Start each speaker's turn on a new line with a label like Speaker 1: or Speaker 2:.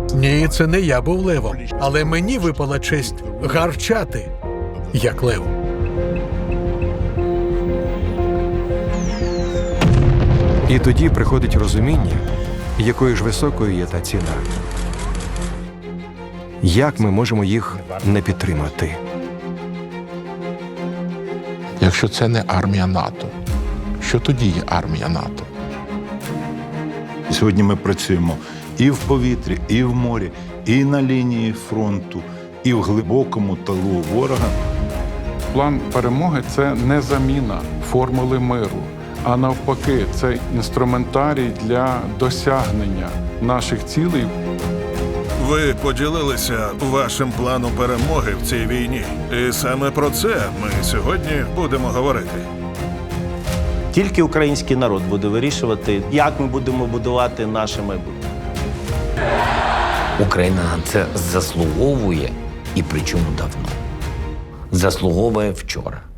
Speaker 1: Ні, це не я був левом, але мені випала честь гарчати, як лев.
Speaker 2: І тоді приходить розуміння, якою ж високою є та ціна. Як ми можемо їх не підтримати?
Speaker 3: Якщо це не армія НАТО, що тоді є армія НАТО?
Speaker 4: Сьогодні ми працюємо і в повітрі, і в морі, і на лінії фронту, і в глибокому тилу ворога.
Speaker 5: План перемоги – це не заміна формули миру, а навпаки, це інструментарій для досягнення наших цілей.
Speaker 6: Ви поділилися вашим планом перемоги в цій війні. І саме про це ми сьогодні будемо говорити.
Speaker 7: Тільки український народ буде вирішувати, як ми будемо будувати наше майбутнє.
Speaker 8: Україна на це заслуговує, і причому давно. Заслуговує вчора.